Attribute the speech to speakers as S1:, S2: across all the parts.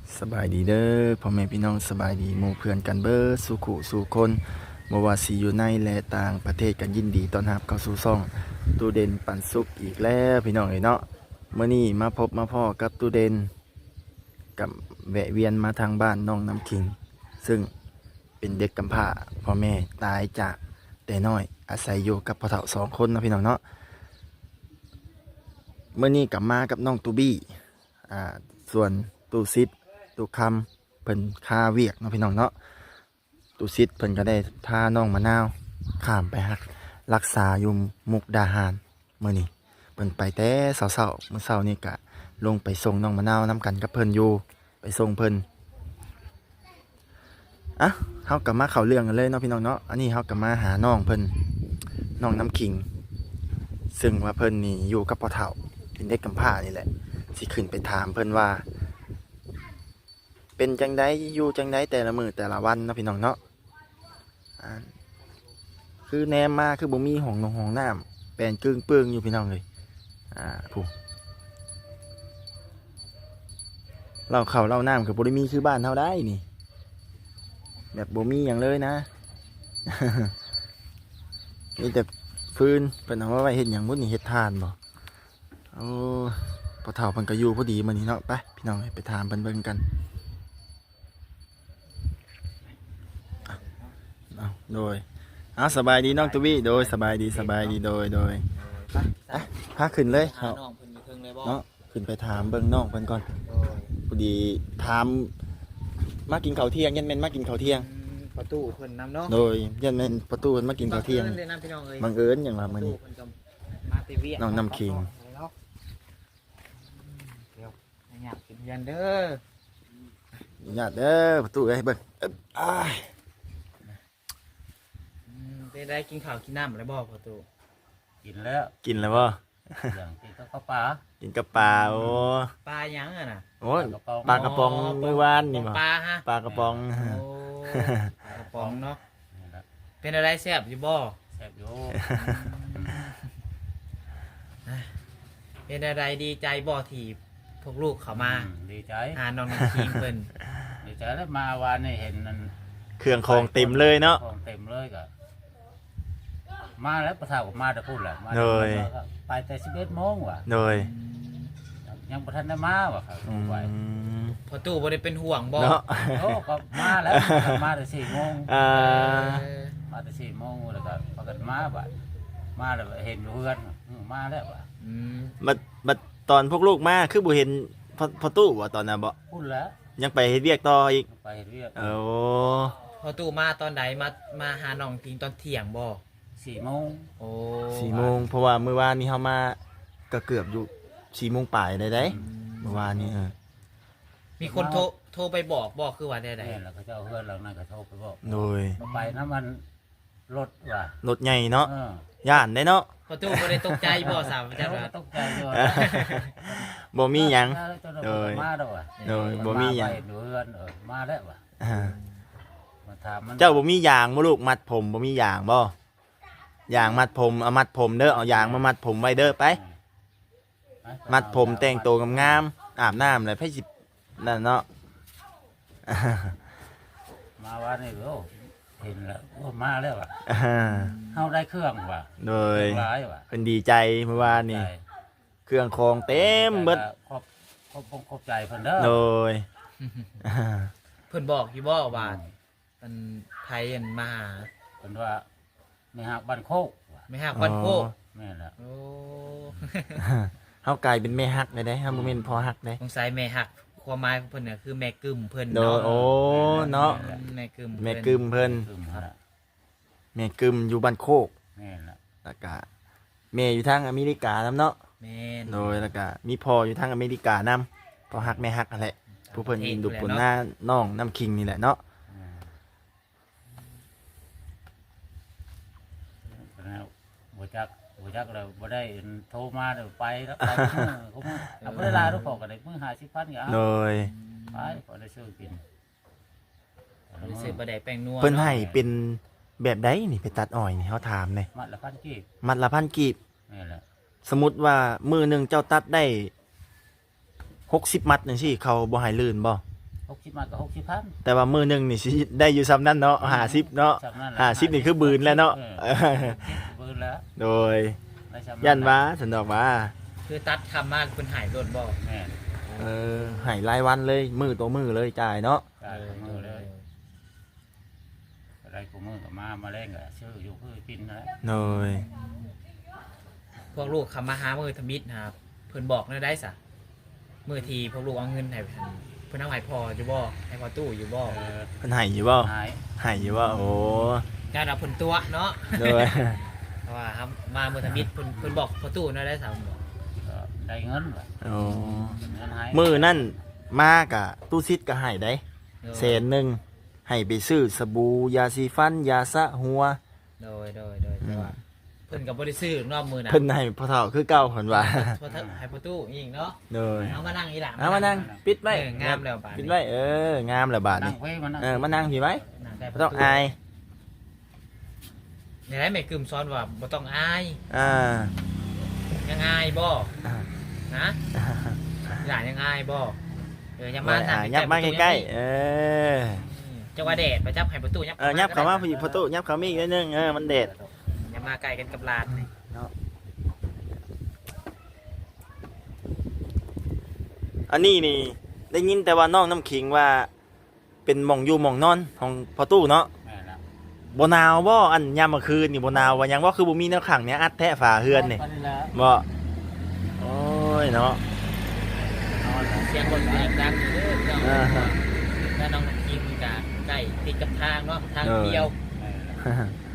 S1: สบายดีเด้อพ่อแม่พี่น้องสบายดีหมู่เพื่อนกันเบิดสู่ขู่สู่คนบ่ว่าสิอยู่ในและต่างประเทศกันยินดีต้อนรับเข้าสู่ช่องตูเด่นปันสุขอีกแล้วพี่น้องเอ้ยเนาะมื้อนี้มาพบมาพ่อกับตูเด่นกับแวะเวียนมาทางบ้านน้องน้ำคิงซึ่งเป็นเด็กกำพร้าพ่อแม่ตายจากแต่น้อยอาศัยอยู่กับพ่อเฒ่า2 คนนะพี่น้องเนาะมื้อนี้กลับมากับน้องตูบี้ส่วนตูซิดตูคำเพิ่นคาเวียกเนาะพี่น้องเนาะตูซิดเพิ่นก็ได้พาน้องมะนาวข้ามไปรักษาอยู่มุกดาหารมื้อนี้เพิ่นไปแต่เช้าๆมื้อเช้านี่ก็ลงไปส่งน้องมะนาวนํกันกับเพิ่นอยู่ไปส่งเพิ่นอ่ะเฮากลับมาเข้าเรื่องกันเลยเนาะพี่น้องเนาะอันนี้เฮากลับมาหาน้องเพิ่นน้องน้ำขิงซึ่งว่าเพิ่นนี่อยู่กับพ่อเฒ่าเป็นเด็กกำพร้านี่แหละสิขึ้นไปถามเพิ่นว่าเป็นจังไดอยู่จังไดแต่ละมื้อแต่ละวันเนาะพี่น้องเนาะคือแนมมาคือบ่มีห้องน้ำแปลนกึ่งเปื้องอยู่พี่น้องเลยผู้เราเข้าเราน้ำคือบ่ได้มีคือบ้านเฮาได้นี่แบบบ่มีหยังเลยนะ มีแต่ฟืนเพิ่นเอามาไว้เฮ็ดหยังบ่นี่เฮ็ดทานบ่โอ้พอเฒ่าเพิ่นก็อยู่พอดีมื้อนี้เนาะไปพี่น้องไปถามเพิ่นเบิ่งกันโดยสบายดีน้องตุบี้โดยสบายดีโดยพาขึ้นเลย
S2: น้องเพิ่นอยู่เทิงเลยบ่
S1: เนาะขึ้นไปถามเบิ่งน้องเพิ่นก่อนพอดีถามมากินข้าวเที่ยงยันแม่นมากินข้าวเที่ยง
S2: ประตูเพิ่นนำเนาะ
S1: โดยยันแม่นประตูเพิ่นมากินข้าวเที่ยงบังเอิญอย่างว่ามื้อนี้น้องน้ำคิง
S2: เดี๋ยวอยากกินยันเด้อ
S1: ญาติเด้อประตูเอ้ยเบิ่ง
S2: ได้กินข้าวกินน้ำอะไรบ่ประตู
S3: กินแล้ว
S1: กินแล้วบ่
S3: อย่างกินก็ข้าวปลา
S1: กินกับปลาโอ้
S2: ปลาหยังอ่ะน่ะ
S1: โอ้ยปลากระป๋องมื้อวานนี่บ่
S2: ปลาฮะ
S1: ปลากระป๋อง
S2: โอ้ปลากระป๋องเนาะเป็นอะไรแซ่บอยู่บ่
S3: แซ่บอยู่
S2: เป็นอะไรดีใจบ่ที่พวกลูกเขามา
S3: ดีใจ
S2: น้องน้ำคิงเพิ่น
S3: ดีใจแล้วมาวานนี่เห็นนั่น
S1: เครื่องของเต็มเลยเนาะ
S3: ของเต็มเลยก็มาแล้วประทากับมาแต่พูดแหละมาไปแต่11 โมงว่ะ
S1: โดย
S3: ยังประทันได้มาว่ะครับไหว
S2: พอตู้บ่ได้เป็นห่วงบ่
S1: เนาะ
S3: โอ้ก็มาแล้วมาแต่4 โมงมาแต่4 โมงแล้วก็พอกันมาบ่มาแล้วเห็นเพื่อนมาแล้วว่ะ
S1: บัดตอนพวกลูกมาคือบ่เห็นพอตู้ว่าตอนนั้นบ่
S3: พูดแล้ว
S1: ยังไปเฮ็ดเวียกต่ออีก
S3: ไปเฮ็ดเวียก
S1: โอ้
S2: พอตู้มาตอนใดมาหาน้องคิงตอนเที่ยงบ่
S3: 4 โมง
S2: โอ้
S1: 4 โมงเพราะว่ามื้อวานนี้เฮามาก็เกือบอยู่4 โมงปลายได้เมื่อวานนี้
S2: มีคนโทรไปบอกคือว่าได้
S3: แล้วก็เจ้าเพื่อนเรานั่นก็โทรไปบอก
S1: โดย
S3: ไปนะมันรถว่ะ
S1: รถใหญ่เนาะย่านได้เนาะ
S2: พอตู้บ่ได้ตกใจบ่สาวจังว่า
S3: ตกใจอยู่
S1: บ่มีหยัง
S3: โดยมาแล้วว่ะ
S1: โดยบ่มีหยัง
S3: เพื่อนมาแล้วว่ะมาถามมัน
S1: เจ้าบ่มียางบ่ลูกมัดผมบ่มียางบ่ยางมัดผมเอามัดผมเด้อเอายางมามัดผมไว้เด้อไปมัดผมแต่งตัวงามๆอาบน้ำเลยไผสินั่นเนาะ
S3: มาว่านี่โอ้เห็นแล้วโอ้มาแล้วว่ะเฮาได้เครื่องว่ะ
S1: โดย
S3: ร้ายว่ะ
S1: เพิ่นดีใจเมื่อวานนี่เครื่องของเต็มเบิด
S3: ครบใจเพิ่นเด้อ
S1: โดย
S2: เพิ่นบอกอยู่บ่ว่ามันไผอันมาหา
S3: เพิ่นว่าไม่ฮักบ้านโคก
S2: ไม่ฮักบ้านโคก
S3: แม่นล่ะ
S2: โอ้
S1: เฮากลายเป็นแม่ฮักได้เฮาบ่แม่นพ่อฮักได้
S2: สงสัยแม่ฮักความหมายของเพิ่นน่ะคือแม่กึมเพิ่น
S1: เนาะโอ้เนาะ
S2: แม่กึม
S1: เพิ่นแม่กึมอยู่บ้านโคก
S3: แม่นล่ะ
S1: แล้วก็แม่อยู่ทางอเมริกานำเนาะ
S2: แม่น
S1: โดยแล้วก็มีพ่ออยู่ทางอเมริกานำพ่อฮักแม่ฮักนั่นแหละผู้เพิ่นดูผลหน้าน้องน้ำคิงนี่แหละเนาะ
S3: บ่จักแล้วบ่ได้โทรมาเดี๋ยวไปแล้วไปเขาบ่ได้ลาทุกคนก็ได้มื้อ50,000ก็เอา
S1: โดย
S3: ไปก็ได้ซื้อกิน
S2: รู้สึกบ่ได้แป้งนัว
S1: เพิ่นให้เป็นแบบใดนี่ไปตัดอ้อยนี่เฮาถามเลย
S3: มัดละ1,000 กีบ
S1: มัดละ1,000 กีบ
S3: นี่แหละ
S1: สมมุติว่ามื้อนึงเจ้าตัดได้60 มัดจังซี่เขาบ่ให้ลื่นบ่
S3: 60มาก็60,000
S1: แต่ว่ามื้อหนึงนี่สิได้อยู่ซ้ำนั้นเนาะ50เนาะ
S3: จำนั่นแหละ
S1: 50นี่คือบืนแล้วเนาะ
S3: บืนแล้ว
S1: โดย
S3: ได้จำ
S1: ยันว่าสันดอกว่า
S2: คือตัดคำมาเพิ่นหายโดนบ่
S3: แม่น
S1: ให้รายวันเลยมือต่อมือเลยจ่ายเนาะ
S3: จ่ายมือเลยอะไรกูมือก็มาแรงก็ชื่ออยู่คือปินนั่นแหละ
S1: โดย
S2: พวกลูกคำมาหามือทมิตรนะครับเพิ่นบอกได้ซะมือทีพวกลูกเอาเงินให้เพิ่นเอาให้พออยู่บ่ให้พอตู้อยู่บ่
S1: เพิ่นให้อยู่บ่
S3: หาย
S1: ให้อยู่บ่โอ้
S2: การเอาเพิ่นตัวเนาะ
S1: โดย
S2: เพราะว่าครับมามือทมิตรเพิ่นบอกพอตู้ได้ซะผมบอก
S3: ก็ได้เงินว่ะ
S1: โอ้
S3: เงินหาย
S1: มือนั่นมากะตู้ซิดก็ให้ได้แสนหนึงให้ไปซื้อสบู่ยาสีฟันยาสระหัว
S2: โดยแต่ว่าเพิ่นก็บ่ได้ซื้อนอกมือนะ
S1: เพิ่นให้พ่อเฒ่าคือเก่าเพิ่นว่า
S2: พอให้พอตู้อีกเนาะ
S1: โดย
S2: เอามานั่งอีหล่ะ
S1: เอามานั่งปิดไว้
S2: งามแล้วบาด
S1: ปิดไว้งามแล้วบาด
S3: นั่
S1: นี่
S3: งไว้มานั่ง
S1: มานั่งพี่ไว้
S2: นั่งได้
S1: บ่ต้องอาย
S2: ในไหนแม่กึมซ้อนว่าบ่ต้องอาย
S1: อ่า
S2: ยังอายบ่นะหลานยังอายบ่ยังมานั่ง
S1: ยับมาใกล้ๆ
S2: จังหวะแดดไปจับให้ประตูยับ
S1: ยับเข้ามาพี่ประตูยับเข้ามาอีกนิดนึงมันแดด
S2: อย่ามาไกลกันกับหลานนี่
S1: อันนี้นี่ได้ยินแต่ว่าน้องน้ำขิงว่าเป็นหม่องอยู่หม่องนอนของพ่อตู้เนาะ
S3: แม่นแล้ว
S1: บ่หนาวบ่อันยามมื้อคืนนี่บ่หนาวว่าหยังว่าคือบ่มีแนวขังเนี่ยอัดแท้ฝาเฮือนนี่
S3: ไปแล้ว
S1: บ่โอ้ยเนาะ
S3: นอนแล้ว
S2: เสียงคนเสียงดังอยู่เด้อเจ้า
S1: อ่าฮะ
S2: แล้วน้องกินกะใกล้ติดกับทางเนาะทางเดียว
S3: แม่นแล้ว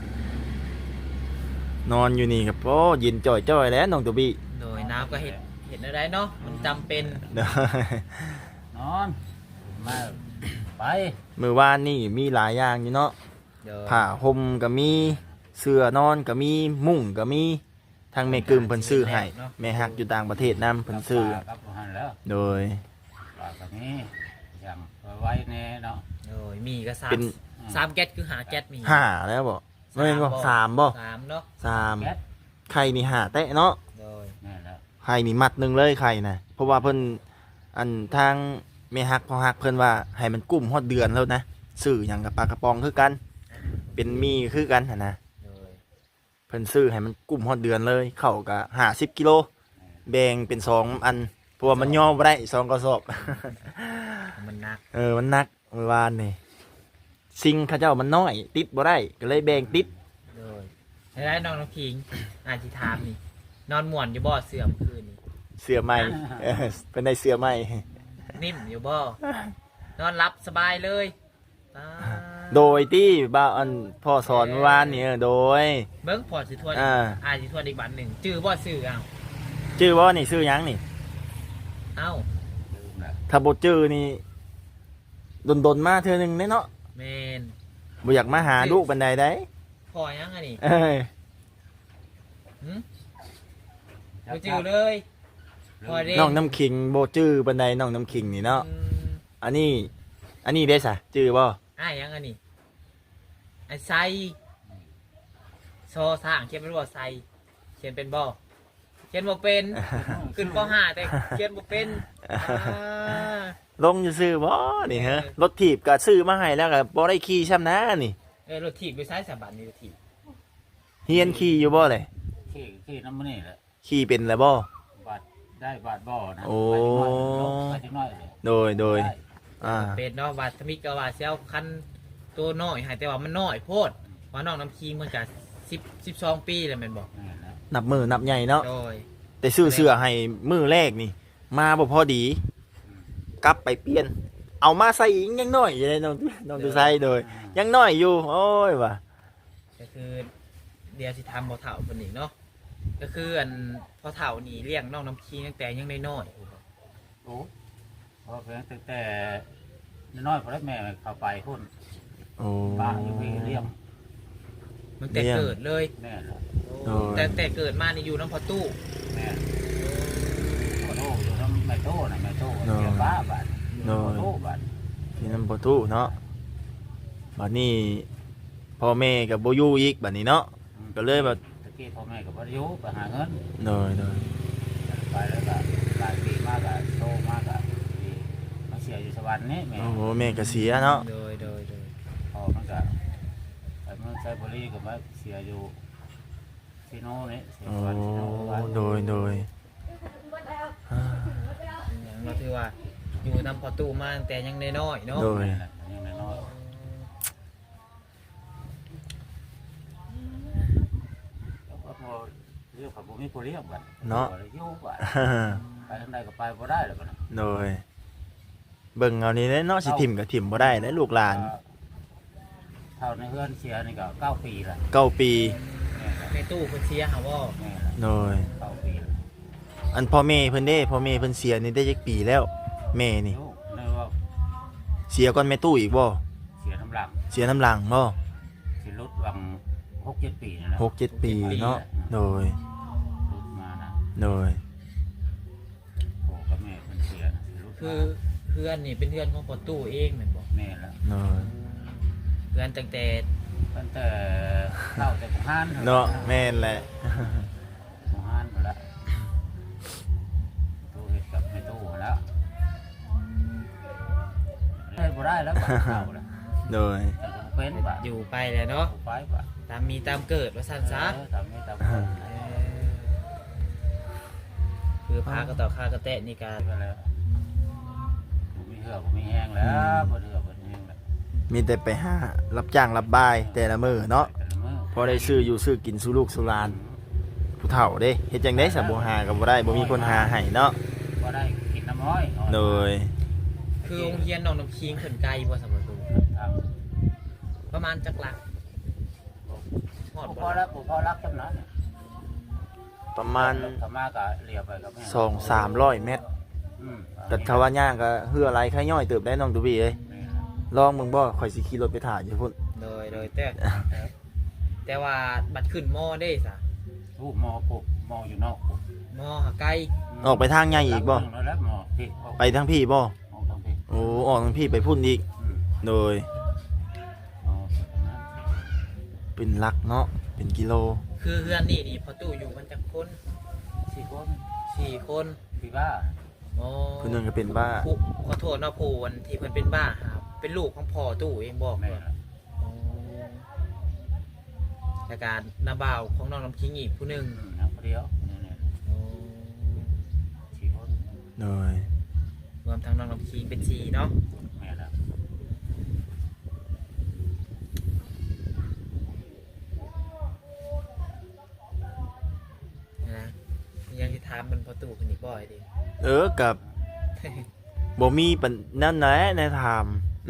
S1: นอนอยู่นี่ครับโอ้เย็นจ่อยๆแล้วน้องตัวบี้
S2: โดยน้ำก็เห็นอะไรเนาะมันจำเป็น
S1: เด้อน
S3: อนมาไป
S1: มื้อวานนี่มีหลายอย่างอยู่เนาะ
S2: เดี๋ยว
S1: ผ้าห่มก็มีเสื้อนอนก็มีมุ้งก็มีทางแม่กึมเพิ่นซื้อให้แม่ฮักอยู่ต่างประเทศนํเพิ่นซื้อ
S3: กับหันแล้ว
S1: โดย
S3: ปลากับนี้อย่างไว้แน่เนาะ
S2: โดยมีก็สา
S1: เป็
S2: ม
S1: น
S2: สามแก๊สคือหาแก๊สมี
S1: ห้าแล้วบ่ไม่นบ่สามบ่
S2: สามเนาะ
S1: สาม
S3: แก๊ส
S1: ไข่นี่ห้าแตะเนาะ
S2: โดย
S3: แม่นแล้ว
S1: ไข่นี่มัดหนึงเลยไข่น่ะเพราะว่าเพิ่นอันทางแม่ฮักพ่อฮักเพิ่นว่าให้มันกุ้มฮอดเดือนแล้วนะซื้อหยังกับปลากระป๋องคือกัน เป็นมีคือกันหั่นนะ
S2: โดย
S1: เพิ่นซื้อให้มันกุ้มฮอดเดือนเลยเข้าก็50กิโลแบ่งเป็น2อันเพราะว่ามันย่อบ่ได้2กระสอบ
S2: มันหนัก
S1: มันหนักเมื่อวานนี่สิ่งเขาเจ้ามันน้อย ติดบ่ได้ก็เลยแบ่งติด
S2: โดยแล้วน้องพิงอาจิถามนี่นอนม่วนอยู่บ่เสื่อมคืนนี่
S1: เสื้อใหม่ เป็นได้เสื้อใหม่
S2: นิ่มอยู่บ่นอนรับสบายเลยตา
S1: โดยที่บ่าวอันพ่อสอนเมื่อวานนี่โดย
S2: เบิ้งพอสิทวน
S1: อ่า
S2: อาสิทวนอีกบันหนึ่งจื้อบ่ซื้ออ้าว
S1: ชื่อว่านี่ชื่อหยังนี่
S2: เอ้า
S3: ลืมแล้ว
S1: ถ้าบ่ชื่อนี่ดนมาเทื่อหนึงเด้เนาะ
S2: เมน
S1: บ่อยากมาหาลูกปานใดได้
S2: พอยังอันนี้
S1: เอ้ย
S2: บ่จื้อเลยพอเด้
S1: น้องน้ำขิงบ่ชื่อปานใดน้องน้ำขิงนี่เนาะ
S2: อืม
S1: อันนี้ได้ซะชื่อบ่
S2: อ้ายยังอันนี้ไอ้ไซโซสร้างเขียนเป็นบ่ไซเขียนเป็นบ่เขียนบ่เป็น ขึ้นป .5 แต่เขียนบ่เป็นอ่า
S1: ลงอยู่ซื้อบ่นี่ฮะรถถีบก็ซื้อมาให้แล้วก็บ่ได้ขี่ช้ำนะนี่
S2: รถถีบไปซ้ายสะบัดนี่รถถีบ
S1: เฮียนขี่อยู่บ่เลย
S3: ขี้น้ำมันนี่แหละ
S1: ขี่เป็นแล้วบ่
S3: บาดได้บาดบ่อนะ
S1: โอ้
S3: ไปจังน้อยเลย
S1: โดย
S3: ได้
S2: เป็นเนาะว่าสมิกก็ว่าเซลคันตัวน้อยให้แต่ว่ามันน้อยโพดว่าน้องน้ำคิงมันก็12 ปีแล้วแม่นบ่
S3: แม่นแล้ว
S1: นับมือนับใหญ่เนาะ
S2: โดย
S1: แต่ซื้อเสื้อให้มือแรกนี่ มาบ่พอดี กลับไปเปลี่ยน เอามาใส่อีกยังน้อยอยู่เลยน้องดูใส่โดย ยังน้อยอยู่ โอ้ยว่ะ
S2: ก็คือเดี๋ยวสิทำบ่เฒ่าเพิ่นอีกเนาะก็คืออันพอเฒ่านี่เลี้ยงน้องน้ำคิงตั้งแต่ยังน้อย
S3: โอ้พอเพียงแต่น้อยพอแล้วแม่เข้าไปพุ่น
S1: โอ้
S3: ป้าอยู่พี่เลี้ยง
S2: ๆมันแต่เกิดเลย
S3: แม่นแล้ว
S1: โอ้ย
S2: แต่เกิดมานี่อยู่น้ำพอตู้
S3: แม่นขอโทษอยู่น้ำแม่โต้น่ะแม่โต้เสียบ้าบาดขอโทษบาด
S1: ที่นั่นบ่ทุเนาะบัดนี้พ่อแม่กับบ่อยู่อีกบัดนี้เนาะ ก็เลยแบบ
S3: ตะกี้พ่อแม่กับพยุไปหาเงิน
S1: โดย
S3: ไปแล้วก็หลายปีมากอะโตมากอะมาเสีสียอยู่สวรรค์นี่แม่
S1: โอ้โหแม่ก็เสียเนาะ
S2: โดย
S3: พ่อมันก็ไปเมืองไซบุรีก็มาเสียอยู่ที่โน่นนี่เสีย
S1: โอ้
S3: สวรรค์ที่โน่น
S1: โดยอ่า
S2: อย่างเราถือว่าอยู่นำพอตู้มาตั้งแต่ยังน้อยๆเนาะ
S1: โดย
S3: นี่แหละยังน้อยแล้วก็พอเรียกกับบุมีผู้เรียกบัด
S1: เนาะ
S3: บ่ได้อยู่บัดไปทางใดก็ไปบ่ได้แล้วบัดน่ะ
S1: โดยเบิ่งเอานี่แหละเนาะสิถิ่มก็ถิ่มบ่ได้แล้วลูกหลาน
S3: เท่าในเฮือนเสียนี่ก็9 ปีละ
S1: 9 ปี
S2: ในตู้เพิ่นเสียหาว่า
S3: แม่ละ
S1: โดย
S3: 9 ปีละ
S1: อันพ่อแม่เพิ่นเด้พ่อแม่เพิ่นเสียนี่ได้จักปีแล้วแม่นี่
S3: ลูกนึกว่า
S1: เสียก่อนแม่ตู้อีกบ่
S3: เสียน้ำหลัง
S1: เสียน้ำหลังบ่
S3: สิลดวัง6-7 ปีนี่แหละ
S1: 6-7 ปีเนาะโดย
S3: ลดมานะ
S1: โดย
S3: พ่อกับแม่เพิ่นเสียนะสิลด
S2: คือ
S3: มา
S2: เพื่อนนี่เป็นเพื่อนของพอตู้เองแม่นบ่
S3: แม่ละ
S1: โดย
S2: เพื่อนตั้งแต่
S3: ตั้งแต่เข้าแต่หมู่ห้าน
S1: เนาะแม่นแหละ
S3: หมู่ห้านหมดละตู้เฮ็ดกับแม่ตู้หมดแล้วได้บ่ได้แล้วบัดเข้าแล้ว
S1: โดย
S3: แต่ก็บ่เป็นบัด
S2: อยู่ไปแล้วเนาะ
S3: ไปบัด
S2: ตามมีตามเกิดว่าซั่นซะ
S3: ตามนี้ตามนี้
S2: คือพากระต่อคากระแตะนี่การ
S3: ไปแล้วบ่มีเหือกบ่มีแห้งแล้วบ่เหือกบ่แห้งแล้ว
S1: มีแต่ไปหารับจ้างรับบายแต่ละมื้อเนาะ
S3: แต่ละมื้อ
S1: พอได้ซื้ออยู่ซื้อกินสู่ลูกสู่หลานผู้เฒ่าเด้เฮ็ดจังได๋ซะบ่หาก็บ่ได้บ่มีคนหาให้เนาะ
S3: บ่ได้กินน้ำอ้อย
S1: โดย
S2: คือโรงเรียนน้องน้ำคิงเพิ่นไกลบ่สำหรับตู้
S3: ทาง
S2: ประมาณจักหลักฮอด
S3: พ
S2: บ่
S3: อแล้วพอรักจำนั้น
S1: ประมาณ
S3: ธรรมะก็เลียไปกับแม่
S1: 2-300 เมตร
S3: อืม
S1: แต่ถ้าว่าย่างก็เฮืออะไรค่าย่อยเติบได้น้องตุบี้เอ้ย
S3: แม่
S1: ลองมึงบ่ข่อยสิขี่รถไปถ่ายอยู่พุ่น
S2: โดยแต่ว่าบัดขึ้นมอได้ซะ
S3: ผู้มอปุ๊บมออยู่นอกปุ๊บ
S2: มอหาไกล
S1: ออกไปทางใหญ่อีกบ่
S3: แล้วมอพี่
S1: ไปทางพี่บ่
S3: มอทางพี่
S1: โอ้ออกทางพี่ไปพุ่นอีก โดย
S3: มอสุดนั้น
S1: เป็นหลักเนาะเป็นกิโล
S2: คือเฮือนนี่พอตู้อยู่กันจักคน
S3: 4 คน
S2: 4 คน
S3: พี่บ้า
S2: อ๋อ
S1: ผู้หนึงก็เป็นบ้า
S2: ผู้ขอโทษเนาะผู้วันที่เพิ่นเป็นบ้าครับเป็นลูกของพ่อตู้เองบอก
S3: แม่
S2: ว่าอ๋อและการนาบ่าวของน้องน้ำคิงอีกผู้หนึง
S3: นักเดียวนี่
S2: อ๋อ
S3: 4 คน
S1: โดย
S2: รวมทั้งน้องน้ำคิงเป็น4เนาะ
S3: แม่ละ
S2: นะยังสิถามมันพอตู้เพิ่นอีกบ่อยดิ
S1: กับบ่มีปัญนั่นแหละในถาม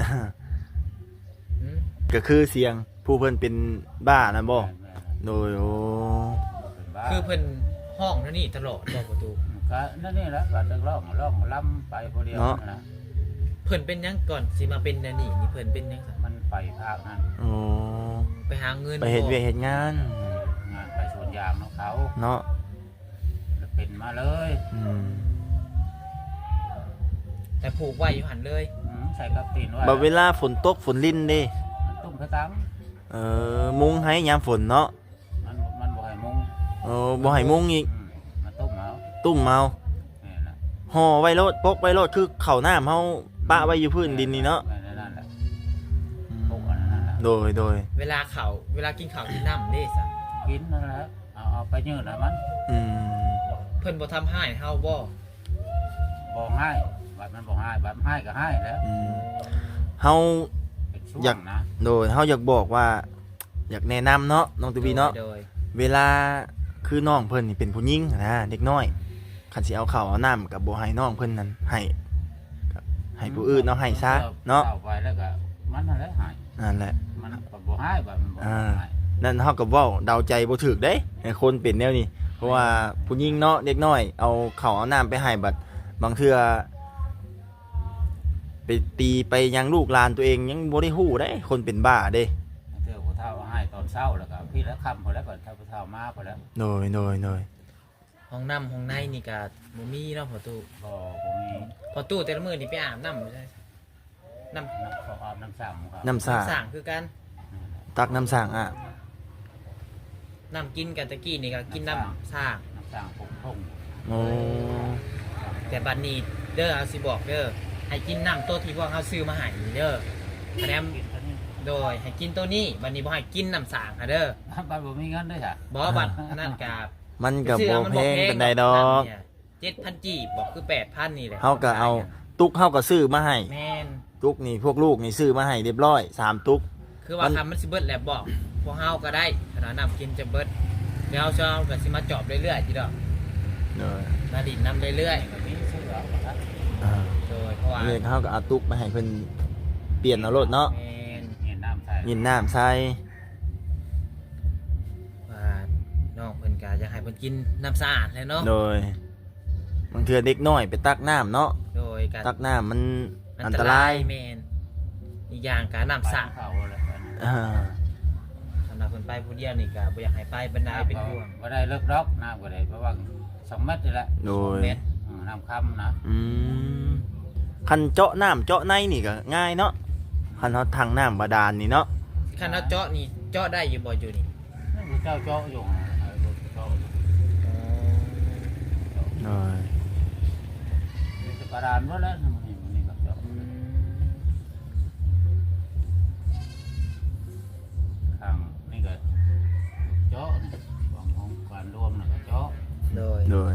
S2: หืม
S1: ก็คือเสียงผู้เพิ่นเป็นบ้านะบ่โดยโอ้
S2: คือเพิ่นห้องนั่นนี่ตลอดบอกประตู
S3: ก็นั่นนี่แหละบัดร้องล้ำไปพอเดียวนะ
S2: เพิ่นเป็นหยังก่อนสิมาเป็นนั่นนี่นี่เพิ่นเป็นหยังซะ
S3: มันไปภาคนั้น
S1: โอ้
S2: ไปหาเงิน
S1: ไปเฮ็ดเวียกเฮ็ดงาน
S3: งานไปสวนยางของเขา
S1: เนาะ
S3: เป็นมาเลย
S1: อืม
S2: แต่ผูกไว้อยู่หันเลย
S3: ใส่กับตีนไว้
S1: บ่เวลาฝนตกฝนลิ้นเด้
S3: ตุ้มกระตัง
S1: มุงให้ยามฝนเนาะ
S3: มันบ่ให้มุง
S1: บ่ให้มุงอีก
S3: มาตุ้มเอา
S1: ตุ้มเมา
S3: นี่แหละ
S1: ห่อไว้โลดปกไว้โลดคือข้าวน้ำเฮาปะไว้อยู่พื้นดินนี่เนาะ
S3: นั่นแหละพวกอันนั้นแหละ
S1: โดย
S2: เวลากินข้าวกินน้ำเด้ซะ
S3: กินนั่นแหละเอาไปยืดนะมัน
S1: อืม
S2: เพิ่นบ่ทำให้เฮาบ่
S3: บ่ให้บัดมันบ่ให้บัดให้ก็ให้แล้ว
S1: อืมเฮา
S3: เป็นช่ว
S1: อยาก
S3: งนะ
S1: โดยเฮาอยากบอกว่า อยากแนะนำเนาะน้องตูบีเนาะ
S2: โดย
S1: เวลาคือน้องเพิ่นนี่เป็นผู้หญิงนะเด็กน้อยคันสิเอาข้าวเอาน้ำกับบ่ให้น้องเพิ่นนั้นให้ผู้อื่นเอาให้ซะเนาะ
S3: เอาไปแล้วก็มันนั่นแหละให้
S1: นั่นแหละ
S3: มันก็บ่ให้บัดมันบ่ให้
S1: นั่นเฮาก็เว้าเดาใจบ่ถูกเด้ให้คนเป็นแนวนี้เพราะว่าผู้หญิงเนาะเด็กน้อยเอาข้าวเอาน้ำไปให้บัดบางเทื่อไปตีไปยังลูกหลานตัวเองยังบ่ได้ฮู้เด้คนเป็นบ้าเด้
S3: เทื่อผู้เฒ่าเอาให้ตอนเช้าแล้วก็พี่แล้วค่ำพอแล้วก็ถ้าผู้เฒ่ามาพอแล้ว
S1: โดย
S2: ห้องน้ำห้องในนี่ก็บ่มีเนาะพอตู้
S3: บ่บ่มี
S2: พอตู้แต่ละมื้อนี่ไปอาบน้ำอยู่ใช่น้ำ
S3: น้ำขออาบน้ำสร้างครับ
S1: น้ำสร้าง
S2: สร้างคือกัน
S1: ตักน้ำสร้างอ่ะ
S2: น้ำกินกันตะกี้นี่ก็กินน้ำสร้าง
S3: น้ำสร้างพงพง
S1: โอ้
S2: แต่บัดนี้เด้อเอาสิบอกเด้อให้กินน้ำตัวที่พวกเขาซื้อมาให้เด้อคะแนน
S3: กินเท่านี้
S2: โดยให้กินตัวนี้บัดนี้บ่ให้กินน้ำสางค่ะเด้อ
S3: บ้านบ่มีเงินด้วยจ้ะ
S2: บ่บัดนั่นกับ
S1: มันก็บ่แพงปานใดดอก
S2: 7,000 กีบบอกคือ 8,000 นี่แหละ
S1: เฮาก็เอาตุกเฮาก็ซื้อมาให้
S2: แม่น
S1: ตุกนี่พวกลูกนี่ซื้อมาให้เรียบร้อย3ตุก
S2: คือว่า
S1: มัน
S2: คำมันสิเบิดแล้วบอกพวกเฮาก็ได้ขนาดน้ำกินจะเบิดเดี๋ยวเช้าก็สิมาจอบเรื่อยๆจีดอก
S1: เนย
S2: มาดินน้ำเรื่อย
S3: ก็มีซื้อเอาครับ
S2: ๆโดยเพราะว่า
S1: เรื่องเฮาก็เอาตุกมาให้เพิ่นเปลี่ยนเอารถเนาะ
S2: แม่น
S3: เห็นน้ำใส่
S1: ยินน้ำใส่
S2: ว่าน้องเพิ่นก็อยากให้เพิ่นกินน้ำสะอาดแหล้วเนาะ
S1: โดยบางเทื่อเด็กน้อยไปตักน้ำเนาะ
S2: โดยการ
S1: ตักน้ำมันอันตราย
S2: แม่นอีกอย่างการน้ำสะ
S3: เข้าเลย
S1: อ่า
S2: สำหรับเพิ่นไปผู้เดียวนี่ก็บ่อยากให้ไปบรรดาเป็นห่วง
S3: บ่ได้เลิกรอกน้ำก็ได้เพราะว่า2 เมตรนี่แหละ
S1: โดย
S2: เม็ด
S3: น้ำค่ำนะ
S1: อืมคันเจาะน้ำเจาะในนี่ก็ง่ายเนาะคันเฮาทางน้ำบาดาลนี่เนาะ
S2: คันเราเจาะนี่เจาะได้อยู่บ่อยู่นี่
S3: นั่นคือเจ้าเจาะอยู่เจาะ
S1: โดย
S3: นี่คือกระดานหมดแล้วนี่ก็เจาะ ข้างนี่ก็เจาะนี่ของการรวมน่ะก็เจาะ
S2: โดย
S1: โดย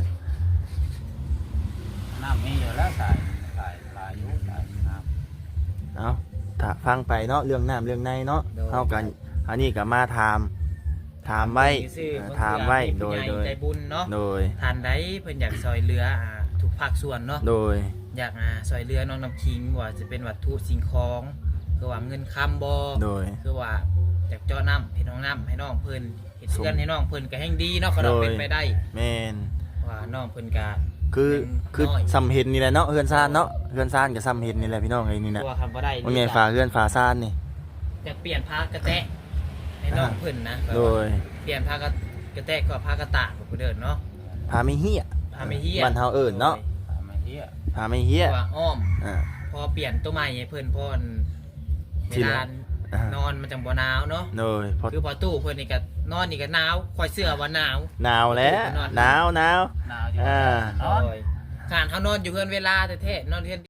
S3: น้ำมีอยู่แล้วสายอยู่สายน้ำ
S1: เอาถ้าฟังไปเนาะเรื่องน้ำเรื่องในเนาะเฮากันอันนี้ก็มาถามไว้
S2: ซื่อๆ
S1: ถามไว้โดย
S2: ผู้ใหญ่ใจบุญเนาะ
S1: โดย
S2: ทานใดเพิ่นอยากซอยเรือทุกภาคส่วนเนาะ
S1: โดย
S2: อยากซอยเรือน้องน้ำคิงว่าจะเป็นวัตถุสิ่งของคือว่าเงินคำบ่
S1: โดย
S2: คือว่าอยากเจาะน้ำเฮ็ดห้องน้ำให้น้องเพิ่นเฮ็ด
S1: ส่ง
S2: เรือนให้น้องเพิ่นก็แห่งดีเนาะก็เรา
S1: โดย
S2: เป็นไปได้
S1: แม่น
S2: ว่าน้องเพิ่นก็
S1: คือ
S2: น้อย
S1: ซ้ำเห็นนี่แหละเนาะเฮือนซ่านเนาะเฮือนซ่านกับซ้ำเห็นนี่แหละพี่น้องไอ้นี่
S2: เพ
S1: นะ
S2: ราะว่าคำบ่ได้
S1: ว่าไงฝาเฮือนฝาซ่านนี่
S2: อยากเปลี่ยนผ้ากระแตะให้น้องเพิ่นนะ
S1: โดย
S2: เปลี่ยนผ้ากระแตะก็ผ้ากระตากบ่เดินเนาะ
S1: พาไม่เฮีย
S2: ผ้าไม่เฮีย
S1: บ้านเฮาเอิ้นเนาะ
S3: ไม่เที่ย
S1: พาไม่เฮี
S2: เพ
S1: ย
S2: ราะว่าอ้อม
S1: อ่า
S2: พอเปลี่ยนตัวใหม่ให้เพิ่นพอนเว
S1: ที่
S2: ลา
S1: ละ อ่าน
S2: อนมันจังบ่หนาวเนาะ
S1: โดยพอ
S2: คือพอตู้เพิ่นนี่ก็นอนนี่ก็หนาวคอยเสื้อว่าหนาว
S1: หนาวแล้วหนาว
S3: หนาวอยู่
S1: อ่า
S3: นอน
S2: โดยการเฮานอนอยู่เฮือนเวลาแท้ๆนอนเฮือน